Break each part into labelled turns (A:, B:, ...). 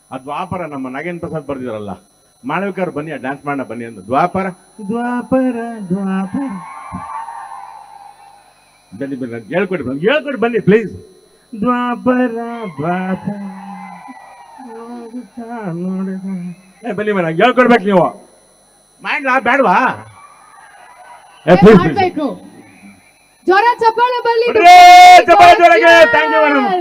A: ಆ ದ್ವಾಪರ ನಮ್ಮ ನಾಗೇಂದ್ರ ಪ್ರಸಾದ್ ಬರ್ದಿದಾರಲ್ಲ, ಮಾಳವಿಕರ್ ಬನ್ನಿ ಡ್ಯಾನ್ಸ್ ಮಾಡೋಣ ಬನ್ನಿ ಅಂತ. ದ್ವಾಪರ ದ್ವಾಪರ ದ್ವಾಪರ ಬನ್ನಿ ಬನ್ನಿ, ಹೇಳ್ಕೊಡಿ ಬನ್ನಿ ಪ್ಲೀಸ್. ದ್ವಾಪರ ದ್ವಾಪರ ಬನ್ನಿ ಮೇಡಮ್, ಹೇಳ್ಕೊಡ್ಬೇಕು ನೀವು. ಮಾಡ್ಲಾ ಬೇಡವಾ?
B: ಮಾಡ್ಬೇಕು. ಜೋರ ಚಪ್ಪಾಳೆ ಬರಲಿ.
A: Thank you madam.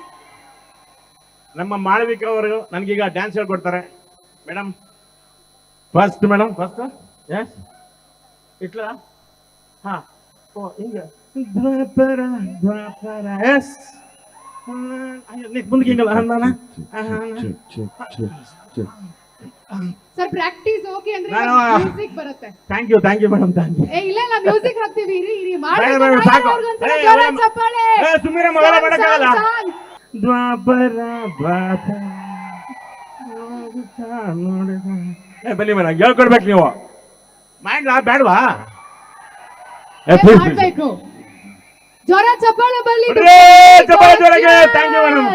A: ನಮ್ಮ ಮಾಳವಿಕಾ ಅವರು ನನಗೀಗ ಡ್ಯಾನ್ಸ್ ಹೇಳ್ಕೊಡ್ತಾರೆ ಮೇಡಮ್. ಫಸ್ಟ್ ಮೇಡಮ್, ಫಸ್ಟ್ ಎಸ್ ಇಟ್ಲ. ಹಾ, ಓ ಹಿಂಗೆ ದ್ವಾಪರ ದ್ವಾಪರ ಎಸ್. ಮುಂದಕ್ಕೆ ಹಿಂಗಲ್ಲ
B: ಸರ್, ಪ್ರಾಕ್ಟೀಸ್ ಓಕೆ ಅಂದ್ರೆ ಮ್ಯೂಸಿಕ್ ಬರುತ್ತೆ.
A: Thank you madam, thank you.
B: ಇಲ್ಲ ಇಲ್ಲ, ಮ್ಯೂಸಿಕ್ ಹಾಕ್ತೀವಿ. ಇರಿ
A: ಸಾಕು. ಸುಮ್ಮನೆ ಮಗಳ ಮಾಡಕ್ಕಾಗಲ್ಲ. ದ್ವಾಪರ ದ್ವಾಪರ ಬನ್ನಿ ಮೇಡಮ್, ಹೇಳ್ಕೊಡ್ಬೇಕು ನೀವು. ಮಾಡ್ಲಾ ಬೇಡವಾ?
B: ಮಾಡ್ಬೇಕು. ಜೋರ ಚಪ್ಪಾಳೆ ಬರಲಿ.
A: Thank you madam.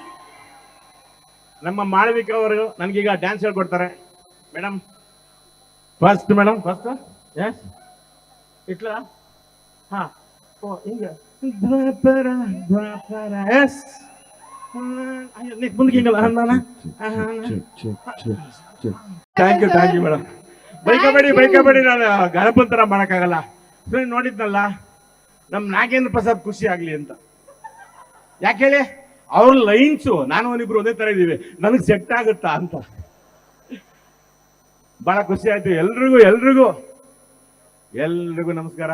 A: ನಮ್ಮ ಮಾಳವಿಕಾ ಅವರು ನನಗೀಗ ಡ್ಯಾನ್ಸ್ ಹೇಳ್ಕೊಡ್ತಾರೆ ಮೇಡಮ್. ಫಸ್ಟ್ ಮೇಡಮ್, ಫಸ್ಟ್ ಎಸ್ ಇಟ್ಲ. ಹಾ, ಓ ಹಿಂಗೆ ದ್ವಾಪರ ದ್ವಾಪರ ಎಸ್. ಮುಂದಕ್ಕೆ ಹಿಂಗಲ್ಲ ಥ್ಯಾಂಕ್ ಯು ಮೇಡಮ್. ಬೈಕಬೇಡಿ, ನಾನು ಗಣಪಂತರ ಮಾಡಕ್ಕಾಗಲ್ಲ. ನೋಡಿದ್ನಲ್ಲ, ನಮ್ಮ ನಾಗೇಂದ್ರ ಪ್ರಸಾದ್ ಖುಷಿ ಆಗ್ಲಿ ಅಂತ. ಯಾಕೆ ಹೇಳಿ, ಅವ್ರ ಲೈನ್ಸು ನಾನು ಅವನಿಬ್ರು ಒಂದೇ ತರ ಇದೀವಿ, ನನಗೆ ಸೆಟ್ ಆಗುತ್ತಾ ಅಂತ. ಬಹಳ ಖುಷಿ ಆಯ್ತು. ಎಲ್ರಿಗೂ ನಮಸ್ಕಾರ.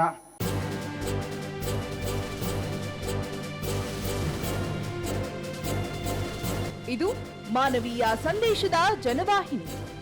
C: ಇದು ಮಾನವೀಯ ಸಂದೇಶದ ಜನವಾಹಿನಿ.